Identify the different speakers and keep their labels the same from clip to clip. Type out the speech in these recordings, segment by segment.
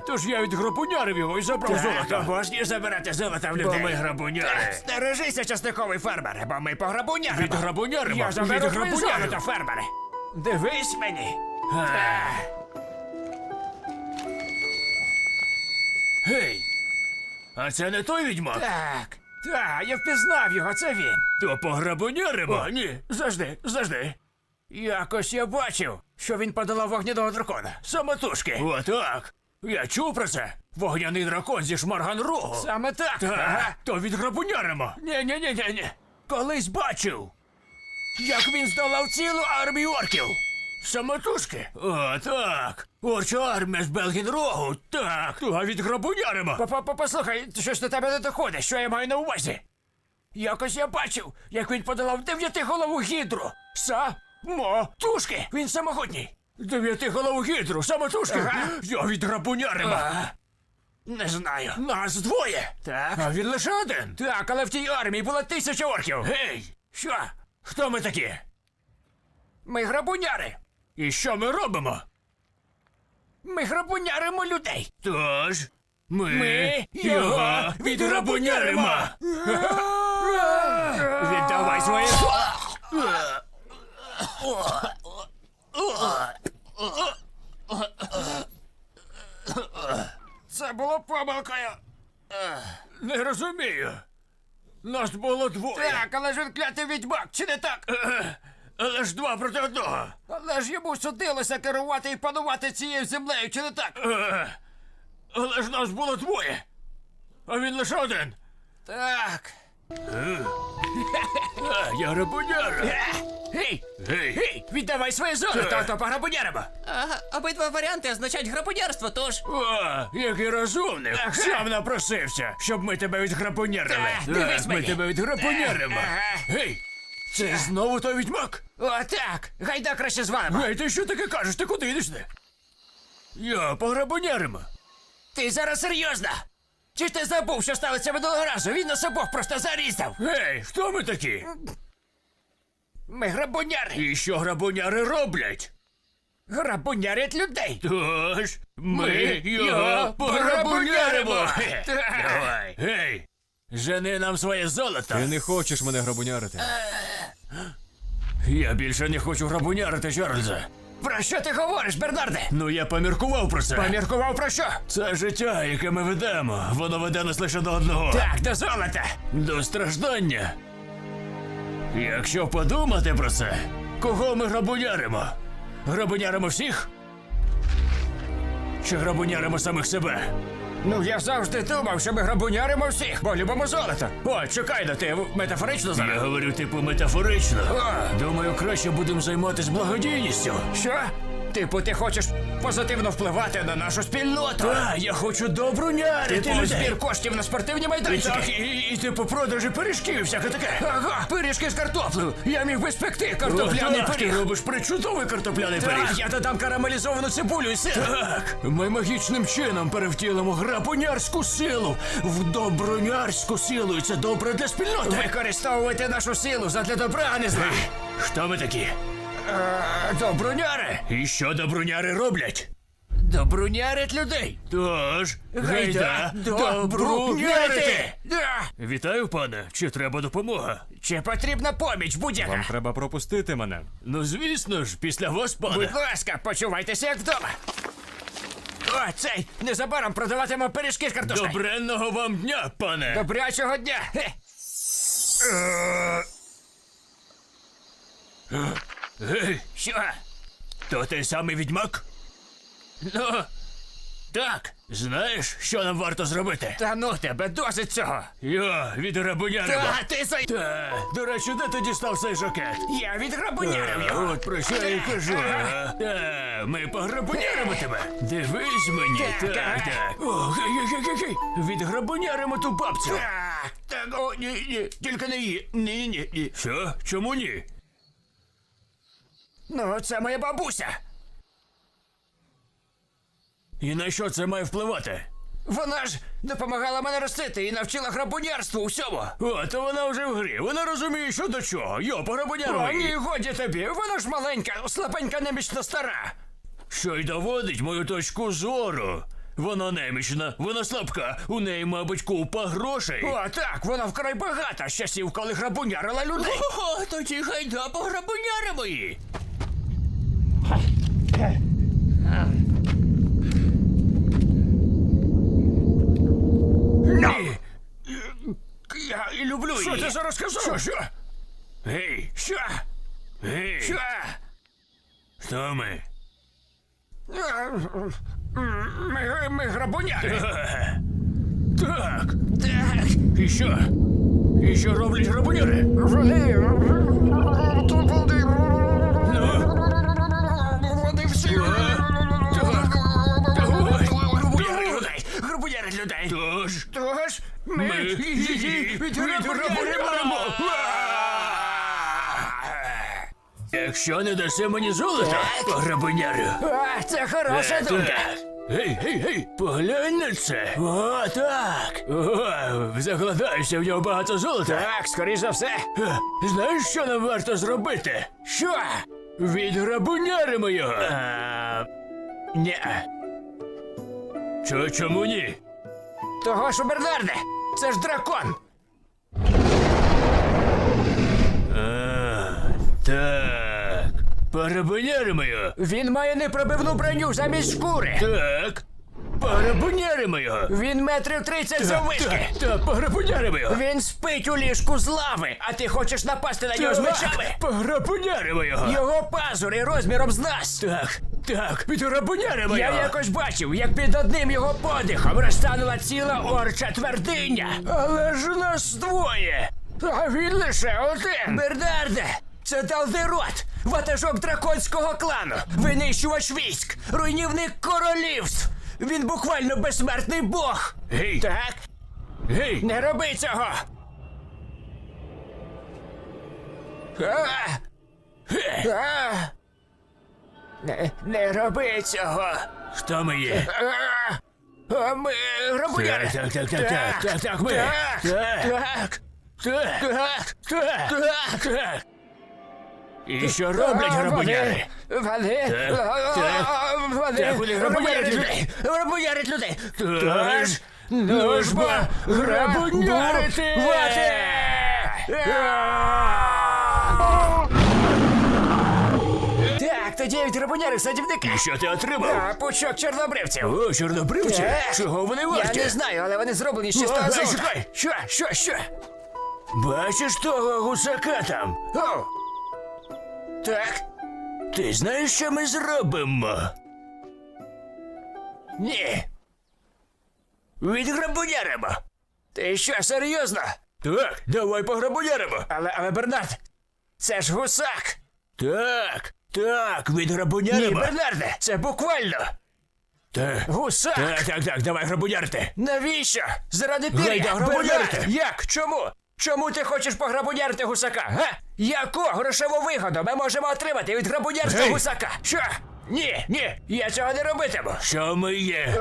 Speaker 1: тож я відграбунярив його і забрав золото.
Speaker 2: Обожнюю забирати золото в людей.
Speaker 1: Бо ми грабуняри.
Speaker 2: Стережися, часниковий фермер, бо ми пограбуняримо.
Speaker 1: Відграбуняримо.
Speaker 2: Я заберу твоє
Speaker 1: Відграбуняримо.
Speaker 2: золото, фермере. Дивись мені.
Speaker 1: Гей! А це не той відьмак?
Speaker 2: Так, я впізнав його, це він.
Speaker 1: То пограбуняримо?
Speaker 2: О, ні, завжди. Якось я бачив, що він подолав вогняного дракона. Самотужки.
Speaker 1: Отак. Я чув про це. Вогняний дракон зі Шмарган-Рогу.
Speaker 2: Саме так.
Speaker 1: Так, то відграбуняримо.
Speaker 2: Ні.
Speaker 1: Колись бачив.
Speaker 2: Як він здолав цілу армію орків.
Speaker 1: Самотужки? О, так. Орча армія з Белгін-Рогу. Так, то відграбуняримо.
Speaker 2: Послухай, щось до тебе не доходить, що я маю на увазі. Якось я бачив, як він подолав 9-голову гідру. Самотужки. Він самогутній.
Speaker 1: 9-голову гідру, самотужки.
Speaker 2: Ага.
Speaker 1: Я відграбуняримо.
Speaker 2: Не знаю.
Speaker 1: Нас двоє.
Speaker 2: Так.
Speaker 1: А він лише один.
Speaker 2: Так, але в тій армії було 1000 орків.
Speaker 1: Гей,
Speaker 2: Що?
Speaker 1: хто ми такі?
Speaker 2: Ми грабуняри.
Speaker 1: І що ми робимо?
Speaker 2: Ми грабуняримо людей.
Speaker 1: Тож, ми
Speaker 2: Ми
Speaker 1: його відграбуняримо.
Speaker 2: Віддавай своє. Це було помилкою.
Speaker 1: Не розумію. Нас було двоє.
Speaker 2: Так, але ж він клятий відьмак, чи не так?
Speaker 1: Але ж 2 проти 1.
Speaker 2: Але ж йому судилося керувати і панувати цією землею, чи не так?
Speaker 1: Але ж нас було двоє. А він лише один.
Speaker 2: Так.
Speaker 1: Я грабуняр.
Speaker 2: Гей!
Speaker 1: Гей.
Speaker 2: Віддавай своє золото, а то пограбуняримо.
Speaker 3: Ага, обидва варіанти означають грабунярство, тож.
Speaker 1: О, який розумник.
Speaker 2: Ага.
Speaker 1: Сам напросився, щоб ми тебе відграбунярили.
Speaker 2: Так, дивись
Speaker 1: ми
Speaker 2: мені.
Speaker 1: тебе відграбуняримо.
Speaker 2: Ага.
Speaker 1: Гей, це знову той відьмак?
Speaker 2: О, так. Гайда краще звалимо.
Speaker 1: Гей, ти що таке кажеш? Ти куди йдеш? Я пограбуняримо.
Speaker 2: Ти зараз серйозно? Чи ж ти забув, що сталося минулого разу? Він нас обох просто зарізав.
Speaker 1: Гей, хто ми такі?
Speaker 2: Ми грабуняри.
Speaker 1: І що грабуняри роблять?
Speaker 2: Грабунярять людей.
Speaker 1: Тож, ми його
Speaker 2: його
Speaker 1: пограбуняримо.
Speaker 2: пограбуняримо.
Speaker 1: Давай. Гей, жени нам своє золото.
Speaker 4: Ти не хочеш мене грабунярити.
Speaker 1: Я більше не хочу грабунярити, Чарльза.
Speaker 2: Про що ти говориш, Бернарде?
Speaker 1: Ну я поміркував про це.
Speaker 2: Поміркував про що?
Speaker 1: Це життя, яке ми ведемо, воно веде нас лише до одного.
Speaker 2: Так, до золота.
Speaker 1: До страждання. Якщо подумати про це, кого ми грабуняримо? Грабуняримо всіх? Чи грабуняримо самих себе?
Speaker 2: Ну, я завжди думав, що ми грабуняримо всіх, бо любимо золото. О, чекай, ну ти метафорично
Speaker 1: Я
Speaker 2: зараз?
Speaker 1: говорю, типу, метафорично.
Speaker 2: О.
Speaker 1: Думаю, краще будемо займатися благодійністю.
Speaker 2: Що? Типу, ти хочеш позитивно впливати на нашу спільноту?
Speaker 1: Так, я хочу добрунярити
Speaker 2: Типу,
Speaker 1: людей.
Speaker 2: збір коштів на спортивні майданчики.
Speaker 1: Так, і типу продажі пиріжків і всяке таке.
Speaker 2: Ага, пиріжки з картоплею. Я міг би спекти картопляний
Speaker 1: Так, ти
Speaker 2: пиріг.
Speaker 1: робиш причудовий картопляний пиріг.
Speaker 2: Так, я додам карамелізовану цибулю і сир.
Speaker 1: Так, ми магічним чином перевтілимо грабунярську силу в добрунярську силу, і це добре для спільноти.
Speaker 2: Використовувати нашу силу задля добра, а не зла.
Speaker 1: Хто ми такі?
Speaker 2: Добруняри.
Speaker 1: І що добруняри роблять?
Speaker 2: Добрунярять людей.
Speaker 1: Тож,
Speaker 2: Гайда добрунярити. Да.
Speaker 1: Вітаю, пане. Чи треба допомога?
Speaker 2: Чи потрібна поміч будь-яка?
Speaker 4: Вам треба пропустити мене.
Speaker 1: Ну, звісно ж, після вас, пане.
Speaker 2: Будь ласка, почувайтеся як вдома. О, цей, незабаром продаватимемо пиріжки з картошкою.
Speaker 1: Добренного вам дня, пане.
Speaker 2: Добрячого дня. Хе.
Speaker 1: Гей,
Speaker 2: Що?
Speaker 1: то той самий відьмак?
Speaker 2: Ну, так.
Speaker 1: Знаєш, що нам варто зробити?
Speaker 2: Та ну тебе, досить цього.
Speaker 1: Я відграбуняримо.
Speaker 2: Ти зай...
Speaker 1: До речі, де ти дістав цей жакет?
Speaker 2: Я відграбунярив його.
Speaker 1: От про що я й кажу. Ми пограбуняримо тебе. Дивись мені.
Speaker 2: Так,
Speaker 1: Так, так. О, гей. Відграбуняримо ту бабцю.
Speaker 2: Так, о, ні, тільки не її. Ні.
Speaker 1: Що? Чому ні?
Speaker 2: Ну, це моя бабуся.
Speaker 1: І на що це має впливати?
Speaker 2: Вона ж допомагала мене ростити і навчила грабунярству усьому.
Speaker 1: О, то вона вже в грі. Вона розуміє, що до чого. Йо, пограбуняримо
Speaker 2: О, ні,
Speaker 1: її.
Speaker 2: годі тобі. Вона ж маленька, слабенька, немічно стара.
Speaker 1: Що й доводить мою точку зору. Вона немічна, вона слабка, у неї, мабуть, купа грошей.
Speaker 2: О, так, вона вкрай багата з часів, коли грабунярила людей.
Speaker 1: О, тоді гайда пограбуняримо її. Ні. Я і люблю її.
Speaker 2: Що ти зараз сказав?
Speaker 1: Що? Гей,
Speaker 2: Що?
Speaker 1: гей.
Speaker 2: Що?
Speaker 1: Хто ми?
Speaker 2: Ми грабуняри.
Speaker 1: Так.
Speaker 2: Так.
Speaker 1: І що? І що роблять грабуняри?
Speaker 2: Вони всі.
Speaker 1: Грабуняри людей.
Speaker 2: Грабунярять людей.
Speaker 1: Тож,
Speaker 2: Тож ми
Speaker 1: ми
Speaker 2: її відграбуємо.
Speaker 1: Якщо не даси мені золото, пограбунярю.
Speaker 2: А, це хороша думка.
Speaker 1: Так. Гей, поглянь на це. О, так. О, закладаюся, в нього багато золота.
Speaker 2: Так, скоріш за все.
Speaker 1: Знаєш, що нам варто зробити?
Speaker 2: Що?
Speaker 1: Відграбуняримо його.
Speaker 2: Ні.
Speaker 1: Чому ні?
Speaker 2: Того ж, Бернарде, це ж дракон.
Speaker 1: Так. Пограбуняримо його.
Speaker 2: Він має непробивну броню замість шкури.
Speaker 1: Так. Пограбуняримо його.
Speaker 2: Він метрів 30 заввишки.
Speaker 1: Так, пограбуняримо його.
Speaker 2: Він спить у ліжку з лави, а ти хочеш напасти на нього з мечами?
Speaker 1: Пограбуняримо його.
Speaker 2: Його пазури розміром з нас.
Speaker 1: Так, підграбуняримо
Speaker 2: Я
Speaker 1: його.
Speaker 2: якось бачив, як під одним його подихом розтанула ціла орча твердиня.
Speaker 1: Але ж нас двоє.
Speaker 2: А він лише один. Бернарде, це Далдерот, ватажок драконського клану, винищувач військ, руйнівник королівств. Він буквально безсмертний бог.
Speaker 1: Гей.
Speaker 2: Так,
Speaker 1: Гей.
Speaker 2: не роби цього. Не роби цього.
Speaker 1: Хто ми є?
Speaker 2: Ми грабуняри.
Speaker 1: Так, ми. Так. І що роблять грабуняри?
Speaker 2: Вони
Speaker 1: грабунярять людей.
Speaker 2: Грабунярять людей.
Speaker 1: Тож, ну ж бо грабунярити!
Speaker 2: Так, тоді від грабунярів садівника.
Speaker 1: І що ти отримав?
Speaker 2: Пучок чорнобривців.
Speaker 1: О, чорнобривці?
Speaker 2: Так.
Speaker 1: Чого вони
Speaker 2: Я
Speaker 1: варті?
Speaker 2: не знаю, але вони зроблені з
Speaker 1: О,
Speaker 2: чистого
Speaker 1: гей,
Speaker 2: золота.
Speaker 1: чекай.
Speaker 2: Що?
Speaker 1: Бачиш того гусака там?
Speaker 2: О! Так,
Speaker 1: Ти знаєш, що ми зробимо?
Speaker 2: ні.
Speaker 1: Відграбуняримо.
Speaker 2: Ти що, серйозно?
Speaker 1: Так, давай пограбуняримо.
Speaker 2: Але Бернард, це ж гусак.
Speaker 1: Так,
Speaker 2: Ні,
Speaker 1: відграбуняримо.
Speaker 2: Бернарде, це буквально.
Speaker 1: Так,
Speaker 2: Гусак.
Speaker 1: так, давай грабунярити.
Speaker 2: Навіщо? Заради пір'я?
Speaker 1: Гайда, грабунярити.
Speaker 2: Бернард, як? Чому? Чому ти хочеш пограбунярити гусака, га? Яку грошову вигоду ми можемо отримати від грабунярства
Speaker 1: Гей.
Speaker 2: гусака? Що? Ні, я цього не робитиму.
Speaker 1: Що ми є?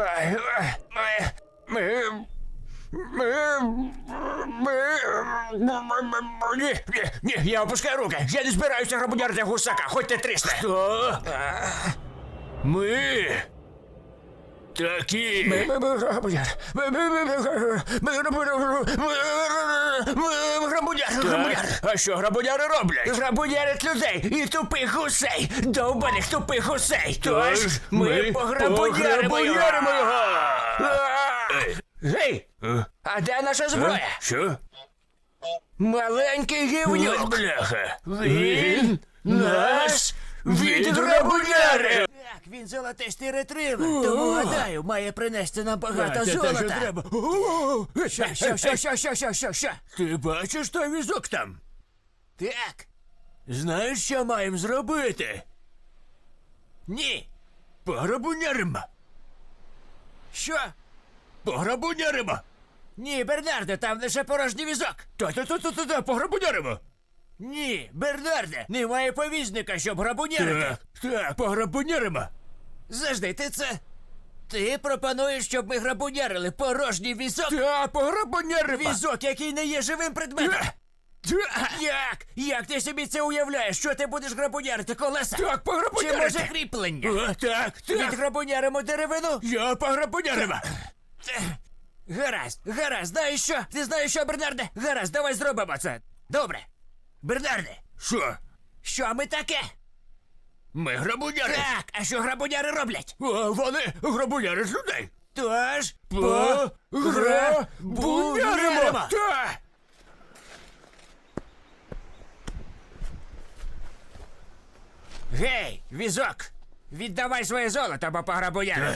Speaker 2: Ні, я опускаю руки. Я не збираюся грабунярити гусака, хоч ти трісне.
Speaker 1: Хто? Ми? Такі.
Speaker 2: Ми грабуняр. Грабуняр.
Speaker 1: А що грабуняри роблять?
Speaker 2: Грабунярять людей і тупих гусей. Довбаних тупих гусей. Тож ми
Speaker 1: пограбуняримо
Speaker 2: пограбуняримо
Speaker 1: його.
Speaker 2: Гей, а де наша зброя?
Speaker 1: Що?
Speaker 2: Маленький
Speaker 1: Ось
Speaker 2: гівнюк.
Speaker 1: бляха.
Speaker 2: Він нас
Speaker 1: відграбунярив.
Speaker 2: Так, він золотистий ретривер, тому, гадаю, має принести нам багато золота.
Speaker 1: Треба.
Speaker 2: Що?
Speaker 1: Ти бачиш той візок там?
Speaker 2: Так,
Speaker 1: Знаєш, що маємо зробити?
Speaker 2: ні.
Speaker 1: Пограбуняримо.
Speaker 2: Що?
Speaker 1: Пограбуняримо.
Speaker 2: Ні, Бернарде, там лише порожній візок.
Speaker 1: Та, пограбуняримо.
Speaker 2: Ні, Бернарде, немає повізника, щоб грабунярити.
Speaker 1: Так, пограбуняримо.
Speaker 2: Завжди, ти пропонуєш, щоб ми грабунярили порожній візок?
Speaker 1: Та, пограбуняримо.
Speaker 2: Візок, який не є живим предметом. Як? Як ти собі це уявляєш? Що ти будеш грабунярити колеса?
Speaker 1: Так,
Speaker 2: Чи
Speaker 1: пограбунярити.
Speaker 2: може кріплення?
Speaker 1: О, так, так.
Speaker 2: Відграбуняримо деревину?
Speaker 1: Я пограбунярив.
Speaker 2: Гаразд, знаєш що? Ти знаєш що, Бернарде? Гаразд, давай зробимо це. Добре. Бернарде,
Speaker 1: Що?
Speaker 2: що ми таке?
Speaker 1: Ми грабуняри.
Speaker 2: Так, а що грабуняри роблять?
Speaker 1: О, вони грабуняри з людей.
Speaker 2: Тож,
Speaker 1: Пограбуняримо. Так.
Speaker 2: Гей, візок! Віддавай своє золото, або пограбуняри.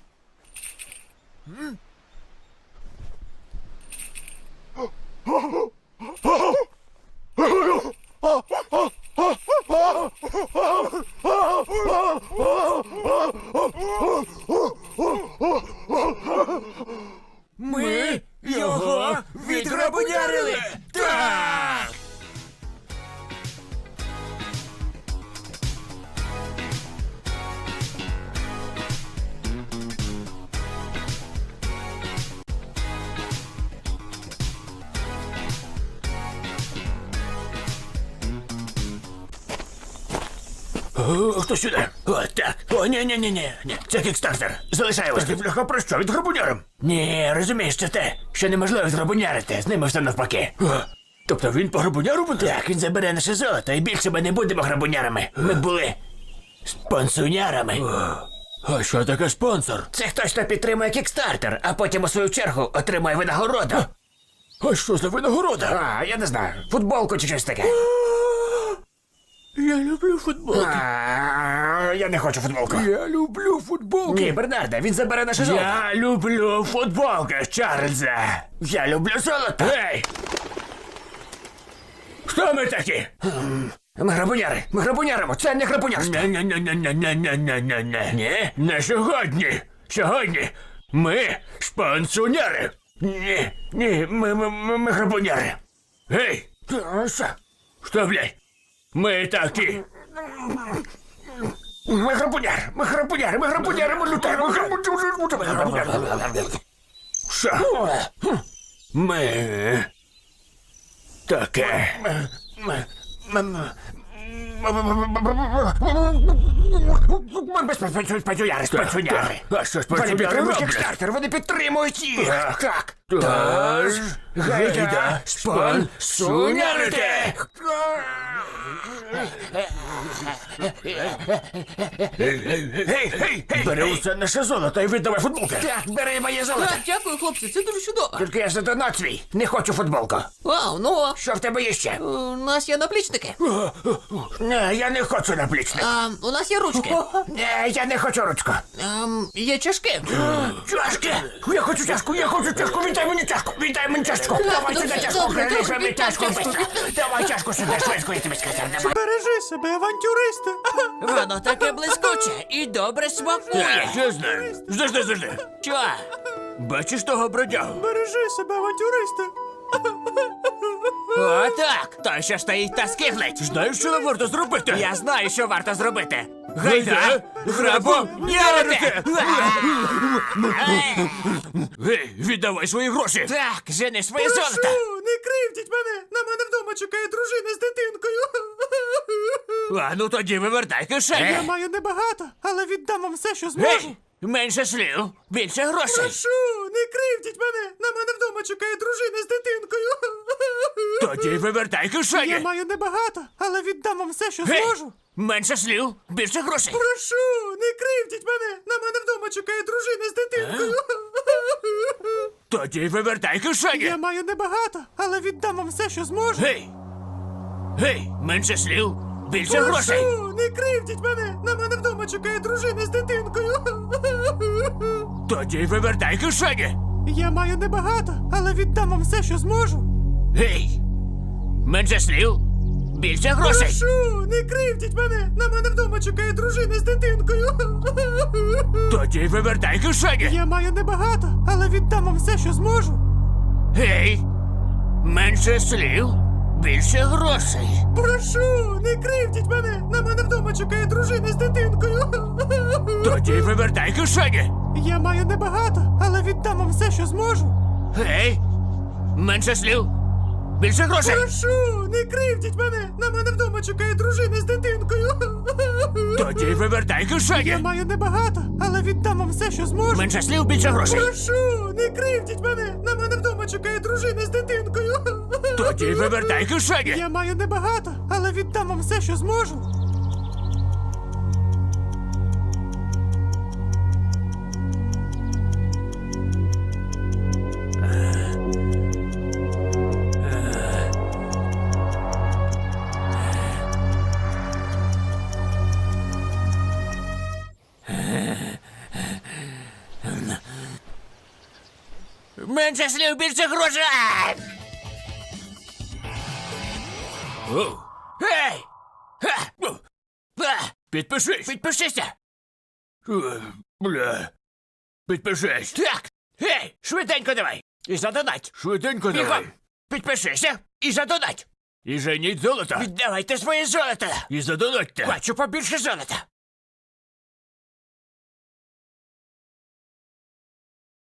Speaker 2: Ми його відграбунярили! Так!
Speaker 1: О, хто сюди? О, так. О, ні. Це кікстартер. Залишай ось. Ти, бляха, про що? Від грабуняром?
Speaker 2: Ні, розумієш, це те, що неможливо відграбунярити, з ними все навпаки.
Speaker 1: Тобто він по грабуняру буде?
Speaker 2: Так, він забере наше золото, і більше ми не будемо грабунярами. Ми були спонсунярами.
Speaker 1: А що таке спонсор?
Speaker 2: Це хтось, хто підтримує кікстартер, а потім у свою чергу отримує винагороду.
Speaker 1: А що за винагорода?
Speaker 2: А, я не знаю, футболку чи щось таке.
Speaker 1: Я люблю футболки.
Speaker 2: Я не хочу футболку.
Speaker 1: Я люблю футболки.
Speaker 2: Ні, Бернарде, він забере наше золото.
Speaker 1: Я люблю футболки, Чарльзе.
Speaker 2: Я люблю золото.
Speaker 1: Гей! Хто ми такі?
Speaker 2: Ми грабуняримо, це не грабунярство.
Speaker 1: Не-не-не-не-не-не-не-не-не. Ні, не сьогодні. Сьогодні ми спонсуняри. Ні, ми грабуняри. Гей!
Speaker 2: Що?
Speaker 1: Що, блядь? Ми такі.
Speaker 2: Ми грабуняри, ми лютаємо,
Speaker 1: Що? Ми таке.
Speaker 2: спонсуняри.
Speaker 1: А що ж
Speaker 2: Вони
Speaker 1: спонсуняри
Speaker 2: підтримують
Speaker 1: роблять?
Speaker 2: кікстартер, вони підтримують їх. Так.
Speaker 1: Тож, гайда спонсунярити! Гей! Бери усе наше золото і віддавай футболки!
Speaker 2: Так, бери моє золото.
Speaker 3: Так, дякую, хлопці, це дуже чудово.
Speaker 2: Тільки я задонат свій. Не хочу футболку.
Speaker 3: Вау, ну,
Speaker 2: Що в тебе є ще?
Speaker 3: у нас є наплічники.
Speaker 2: Не, я не хочу наплічник.
Speaker 3: У нас є ручки.
Speaker 2: Не, я не хочу ручку.
Speaker 3: Є чашки.
Speaker 2: Чашки! Я хочу чашку! Віддай мені чашку! Давай
Speaker 3: ну,
Speaker 2: сюди чашку!
Speaker 3: добре,
Speaker 2: Принеси
Speaker 3: добре,
Speaker 2: мені чашку
Speaker 3: чашку.
Speaker 2: швидко! Давай чашку сюди, швидко, я тобі сказав, давай!
Speaker 5: Бережи себе, авантюристи!
Speaker 3: Воно таке блискуче і добре смакує.
Speaker 1: Я знаю. Завжди.
Speaker 3: Що?
Speaker 1: Бачиш того бродягу?
Speaker 5: Бережи себе, авантюристи!
Speaker 3: О, так. Той, що стоїть та скиглить.
Speaker 1: Знаєш, що нам варто зробити?
Speaker 3: Я знаю, що варто зробити.
Speaker 1: Гайда!
Speaker 3: Грабунярити!
Speaker 1: Гей, віддавай свої гроші!
Speaker 3: Так, жени своє золото.
Speaker 5: Прошу, не кривдіть мене! На мене вдома чекає дружина з дитинкою!
Speaker 1: А ну тоді вивертай
Speaker 5: Я
Speaker 1: кишені!
Speaker 5: маю небагато, але віддам вам все, що зможу!
Speaker 1: Гей! Менше слів, більше грошей!
Speaker 5: Прошу, не кривдіть мене! На мене вдома чекає дружина з дитинкою!
Speaker 1: Тоді вивертай
Speaker 5: Я
Speaker 1: кишені!
Speaker 5: маю небагато, але віддам вам все, що
Speaker 1: Гей!
Speaker 5: зможу!
Speaker 1: Менше слів, більше грошей!
Speaker 5: Прошу, не кривдіть мене! На мене вдома чекає дружина з дитинкою!
Speaker 1: Тоді вивертай кишені!
Speaker 5: Я маю небагато, але віддам вам все, що зможу!
Speaker 1: Гей! Гей! Менше слів, більше грошей!
Speaker 5: Прошу, не кривдіть мене! На мене вдома чекає дружина з дитинкою!
Speaker 1: Тоді вивертай кишені!
Speaker 5: Я маю небагато, але віддам вам все, що зможу!
Speaker 1: Гей! Менше слів, більше грошей!
Speaker 5: Прошу, не кривдіть мене! На мене вдома чекає дружина з дитинкою!
Speaker 1: Тоді вивертай кишені!
Speaker 5: Я маю небагато, але віддам вам все, що зможу!
Speaker 1: Гей! Менше слів, більше грошей!
Speaker 5: Прошу, не кривдіть мене! На мене вдома чекає дружина з дитинкою!
Speaker 1: Тоді вивертай кишені!
Speaker 5: Я маю небагато, але віддам вам все, що зможу!
Speaker 1: Гей! Менше слів,
Speaker 2: Більше грошей!
Speaker 5: Прошу, не кривдіть мене! На мене вдома чекає дружина з дитинкою.
Speaker 2: Тоді вивертай кишені!
Speaker 5: Я маю небагато, але віддам вам все, що зможу.
Speaker 2: Менше слів, більше грошей!
Speaker 5: Прошу, не кривдіть мене! На мене вдома чекає дружина з дитинкою.
Speaker 2: Тоді вивертай кишені!
Speaker 5: Я маю небагато, але віддам вам все, що зможу.
Speaker 2: Менше слів, більше грошей! Гей! Підпишись! Підпишися! Бля. Підпишись! Так! Гей! Швиденько давай! І задонать! Швиденько давай! Підпишися і задонать! І женіть золото! Віддавайте своє золото! І задонатьте! Бачу побільше золота!